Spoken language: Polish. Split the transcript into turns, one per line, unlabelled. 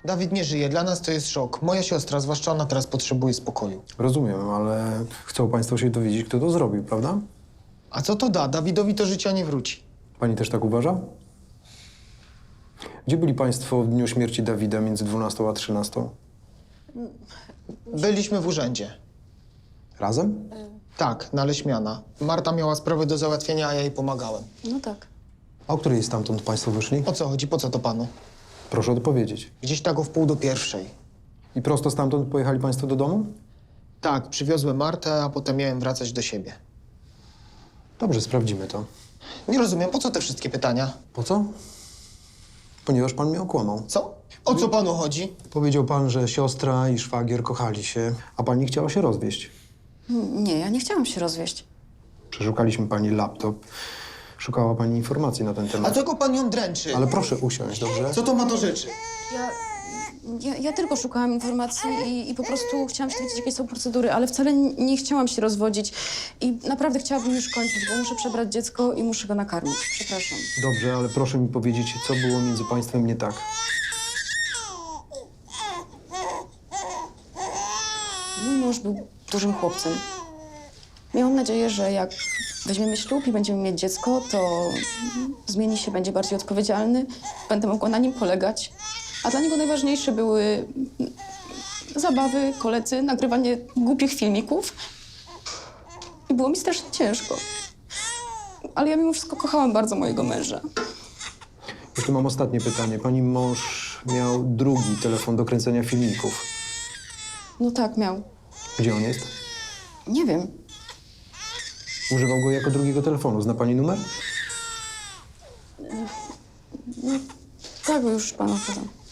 Dawid nie żyje, dla nas to jest szok. Moja siostra, zwłaszcza ona, teraz potrzebuje spokoju.
Rozumiem, ale chcą państwo się dowiedzieć, kto to zrobił, prawda?
A co to da? Dawidowi to życia nie wróci.
Pani też tak uważa? Gdzie byli państwo w dniu śmierci Dawida między 12 a 13?
Byliśmy w urzędzie.
Razem?
Tak, na Leśmiana. Marta miała sprawę do załatwienia, a ja jej pomagałem.
No tak.
A o której stamtąd państwo wyszli?
O co chodzi? Po co to panu?
Proszę odpowiedzieć.
Gdzieś tak o 12:45.
I prosto stamtąd pojechali państwo do domu?
Tak, przywiozłem Martę, a potem miałem wracać do siebie.
Dobrze, sprawdzimy to.
Nie rozumiem, po co te wszystkie pytania?
Po co? Ponieważ pan mnie okłamał.
Co? O co panu chodzi?
Powiedział pan, że siostra i szwagier kochali się, a pani chciała się rozwieść.
Nie, ja nie chciałam się rozwieść.
Przeszukaliśmy pani laptop. Szukała pani informacji na ten
A
temat.
czego pan ją dręczy?
Ale proszę usiąść, dobrze?
Co to ma do rzeczy?
Ja tylko szukałam informacji i po prostu chciałam się dowiedzieć, jakie są procedury, ale wcale nie chciałam się rozwodzić. I naprawdę chciałabym już kończyć, bo muszę przebrać dziecko i muszę go nakarmić. Przepraszam.
Dobrze, ale proszę mi powiedzieć, co było między państwem nie tak.
Mój mąż był dużym chłopcem. Miałam nadzieję, że jak weźmiemy ślub i będziemy mieć dziecko, to zmieni się, będzie bardziej odpowiedzialny, będę mogła na nim polegać. A dla niego najważniejsze były zabawy, koledzy, nagrywanie głupich filmików. I było mi strasznie ciężko. Ale ja mimo wszystko kochałam bardzo mojego męża.
Jeszcze mam ostatnie pytanie. Pani mąż miał drugi telefon do kręcenia filmików.
No tak, miał.
Gdzie on jest?
Nie wiem.
Używał go jako drugiego telefonu. Zna pani numer?
Tak, już panu podam.